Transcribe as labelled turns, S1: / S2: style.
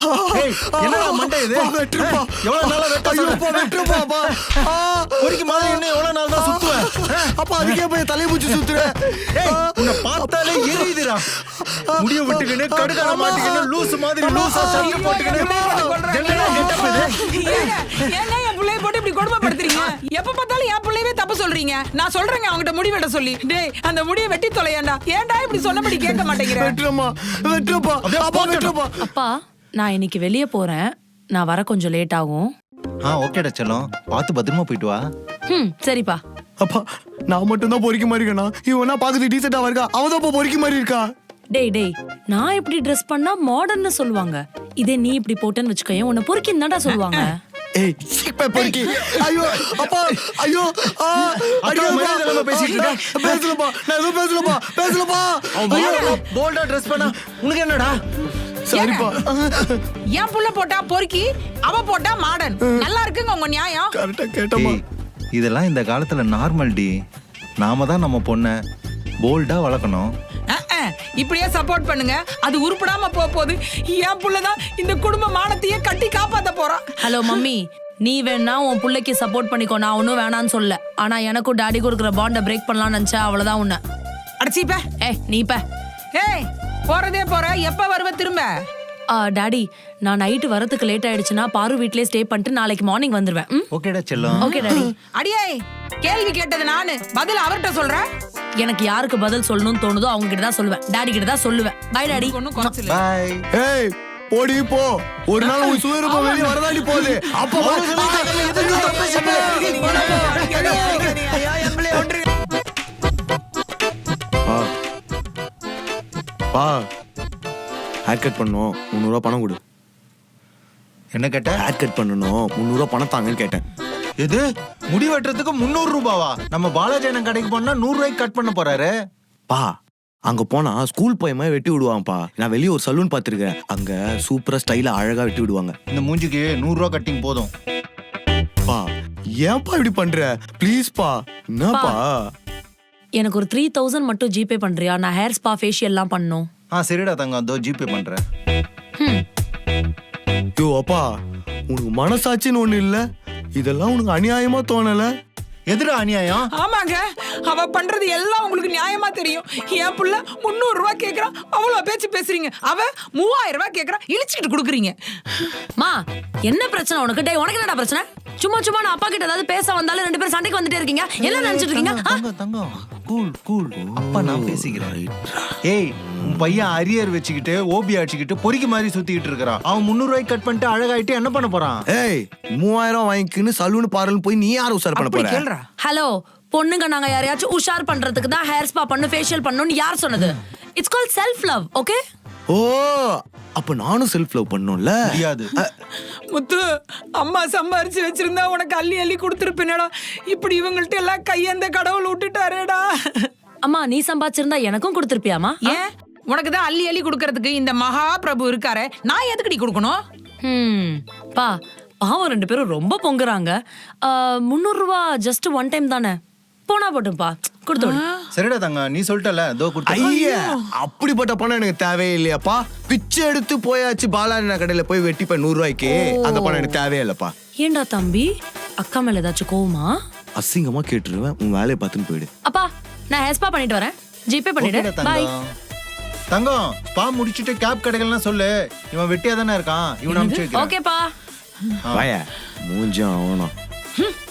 S1: என்னடா மண்டை இது?
S2: வெட்டுப்பா.
S1: எவ்வளவு நாளா வெட்ட
S2: ஐயோப்பா, வெட்டுப்பாப்பா.
S1: பொறிக்கு மாதிரி இன்னும் எவ்வளவு நாள் தான் சுத்துவேன்?
S2: அப்பா அதுக்கே போய் தலையை பூச்சி சுத்துறேன்.
S1: உன்னை பார்த்தாலே எரியுதுடா. முடிய விட்டுக்கின்னு கடுக்கார மாட்டிக்கின்னு லூசு மாதிரி லூசா சட்டை போட்டுக்கின்னு என்னடா கெட்டப் இது?
S3: ஏங்க என் பிள்ளைய போட்டு இப்படி கொடுமைப்படுத்துறீங்க? எப்ப பார்த்தாலும் என் பிள்ளையவே தப்பு சொல்றீங்க. நான் சொல்றேங்க அவங்கிட்ட முடி வெட்ட சொல்லி. டேய் அந்த முடியை வெட்டி தொலையாண்டா. ஏன்டா இப்படி சொன்னபடி கேட்க மாட்டேங்கிற?
S2: வெட்டுறமா, வெட்டுப்பா. அப்பா வெட்டுப்பா.
S4: அப்பா நான் இன்னைக்கு வெளியே போறேன். நான் வர கொஞ்சம் லேட் ஆகும்.
S1: ஓகேடா செல்லம், பார்த்து பத்திரமா போயிட்டு வா.
S4: சரிப்பா.
S2: அப்பா நான் மட்டும் தான் பொறிக்க மாதிரி இருக்கேனா? இவனா பாக்குறது டீசெண்டா இருக்கா, அவதான் பொறிக்க மாதிரி இருக்கா.
S4: டேய் நான் இப்படி ட்ரெஸ் பண்ணா மாடர்ன்னு சொல்லுவாங்க. இதே நீ இப்படி போட்டேன்னு வச்சுக்கோயேன், உன்னை பொறுக்கின்னு தான்டா சொல்லுவாங்க.
S2: ஏய் சீப்பை பொறுக்கி. ஐயோ அப்பா, ஐயோ
S1: பேசிட்டு இருக்க.
S2: பேசலப்பா, நான் எதுவும் பேசலப்பா.
S1: போல்டா ட்ரெஸ் பண்ணா உனக்கு என்னடா?
S2: சரிப்பா.
S3: என் புள்ள போட்டா பொறுக்கி, அவ போட்டா மாடர்ன். நல்லா இருக்குங்க உங்க நியாயம்.
S2: கரெக்டா கேட்டமா.
S1: இதெல்லாம் இந்த காலத்துல நார்மல் டி. நாம தான் நம்ம பொண்ணை போல்டா வளர்க்கணும்.
S3: இப்படியே சப்போர்ட் பண்ணுங்க. அது உருப்படாம போகுது. என் புள்ளதான் இந்த குடும்ப மானத்தையே கட்டி காப்பாத்த போறான்.
S4: ஹலோ மம்மி, நீ வேணா உன் புள்ளைக்கு சப்போர்ட் பண்ணிக்கோ, நான் ஒன்னும் வேணான்னு சொல்ல. ஆனா எனக்கும் டாடி கொடுக்குற பாண்டை பிரேக் பண்ணலாம்னு நினைச்சா அவ்வளவுதான் உன்ன.
S3: அடிச்சிப்ப.
S4: நீப்ப.
S3: ஏய் போறதே போற, எப்ப வருவ திரும்ப?
S4: டாடி நான் நைட்டு வரதுக்கு லேட் ஆயிடுச்சுன்னா பாரு வீட்லயே ஸ்டே பண்ணிட்டு நாளைக்கு மார்னிங் வந்துருவேன்.
S1: ஓகேடா செல்லம்.
S4: Okay daddy.
S3: அடியே கேள்வி கேட்டது நானு, பதில் அவர்கிட்ட சொல்றேன்.
S4: எனக்கு யாருக்கு பதில் சொல்லணும்னு தோணுதோ அவங்க கிட்ட தான் சொல்லுவேன். டாடி கிட்ட தான் சொல்லுவேன். Bye daddy.
S3: ஒண்ணும் குறைச்சல.
S1: பை.
S2: ஏய் போடி போ. ஒரு நாள் உன் சுயரூபம் வெளியே வரதாடி போகுது. அப்பா பா ஹேர் கட் பண்ணணும், 300 ரூபா பணம் கொடு.
S1: என்ன கேட்ட?
S2: ஹேர் கட் பண்ணணும், 300 ரூபா பணம் தாங்கன்னு கேட்டேன்.
S1: எது? முடி வெட்டுறதுக்கு 300 ரூபாவா? நம்ம பாலாஜி அண்ணன் கடைக்கு போனா 100 ரூபாய்க்கு கட் பண்ண போறாரு.
S2: பா அங்க போனா ஸ்கூல் பையமா வெட்டி விடுவாங்கப்பா. நான் வெளியே ஒரு சலூன் பாத்துருக்கேன், அங்க சூப்பரா ஸ்டைலா அழகா வெட்டி விடுவாங்க.
S1: இந்த மூஞ்சிக்கு 100 ரூபா கட்டிங் போதும்.
S2: பா ஏன்பா இப்படி பண்ற? ப்ளீஸ் பா. என்னப்பா?
S4: எனக்கு ஒரு 3000 மட்டும் ஜிபே பண்றியா? நான் ஹேர் ஸ்பா ஃபேஷியல் எல்லாம் பண்ணனும்.
S1: சரிடா தங்கம், அதோ ஜிபே பண்றேன்.
S2: யோ அப்பா, உனக்கு மனசாட்சின்னு ஒண்ணு இல்ல? இதெல்லாம் உனக்கு அநியாயமா தோணல?
S1: எதுடா அநியாயம்?
S3: ஆமாங்க, அவ பண்றது எல்லாம் உங்களுக்கு நியாயமா தெரியும். என் புள்ள 300 ரூபாய் கேக்குறான், அவ்வளவு பேச்சு பேசுறீங்க. அவ 3000 ரூபாய் கேக்குறா, இழிச்சிட்டு குடுக்குறீங்க.
S4: மா என்ன பிரச்சனை உனக்கு? டேய் உனக்கு என்னடா பிரச்சனை? சும்மா நான் அப்பா கிட்ட ஏதாவது பேச வந்தாலும் 2 பேரும் சண்டைக்கு வந்துட்டே இருக்கீங்க. என்ன நினைச்சிட்டு இருக்கீங்க?
S1: தங்கம் கூல். அப்பா நான் பேசிக்கிறேன். ஏய் உன் பையன் அரியர் வச்சுக்கிட்டு ஓபி அடிச்சுக்கிட்டு பொறிக்கு மாதிரி சுத்திக்கிட்டு இருக்கிறான். அவன் 300 ரூபாய்க்கு கட் பண்ணிட்டு அழகாயிட்டு என்ன பண்ண போறான்?
S2: ஏய் 3000 வாங்கிக்கின்னு சலூன் பார்லர் போய் நீ யார் உஷார் பண்ண போற?
S3: கேளுடா.
S4: ஹலோ பொண்ணுங்க, நாங்க யாரையாச்சும் உஷார் பண்றதுக்கு தான் ஹேர் ஸ்பா பண்ணு ஃபேஷியல் பண்ணனும்னு யார் சொன்னது? It's called self love. Okay?
S2: ஓ அப்ப நானும் செல்ஃப் லவ் பண்ணனும்ல?
S1: முடியாது.
S3: முத்து, அம்மா சம்பாரிச்சு வச்சிருந்தா உனக்கு அள்ளி கொடுத்துருப்பேனடா. இப்படி இவங்கள்ட்ட எல்லாம் கையந்த கடவுள் விட்டுட்டாரேடா.
S4: அம்மா நீ சம்பாதிச்சிருந்தா எனக்கும் கொடுத்துருப்பியாமா?
S3: ஏன் உனக்கு தான் அள்ளி கொடுக்கறதுக்கு இந்த மகா பிரபு இருக்காரே, நான் எதுக்குடி கொடுக்கணும்?
S4: பா பாவம் 2 பேரும் ரொம்ப பொங்குறாங்க. 300 ரூபா ஜஸ்ட் ஒன் டைம் தானே, போனா போட்டும்பா கொடுத்து விடு.
S1: சரிடா தங்கம், நீ சொல்லிட்டல அதோ கொடுத்து.
S2: ஐயா அப்படிப்பட்ட பணம் எனக்கு தேவையே இல்லையாப்பா. பிச்சை எடுத்து போயாச்சு பாலாஜி கடையில போய் வெட்டிப்ப 100 ரூபாய்க்கு. அந்த பணம் எனக்கு தேவையே இல்லப்பா.
S4: ஏண்டா தம்பி, அக்கா மேல ஏதாச்சும் கோவமா?
S2: அசிங்கமா கேட்டுருவேன், உன் வேலையை பார்த்துன்னு போயிடு.
S4: அப்பா நான் ஹேர் ஸ்பா பண்ணிட்டு வரேன், ஜிபே பண்ணிடு. பை.
S1: தங்கம் ஸ்பா முடிச்சிட்டு கேப் கடைகள்லாம் சொல்லு. இவன் வெட்டியா தானே இருக்கான், இவன் அனுப்பிச்சு வைக்கிறேன்.
S4: ஓகேப்பா.
S2: வாயா மூஞ்சும் ஆகணும்.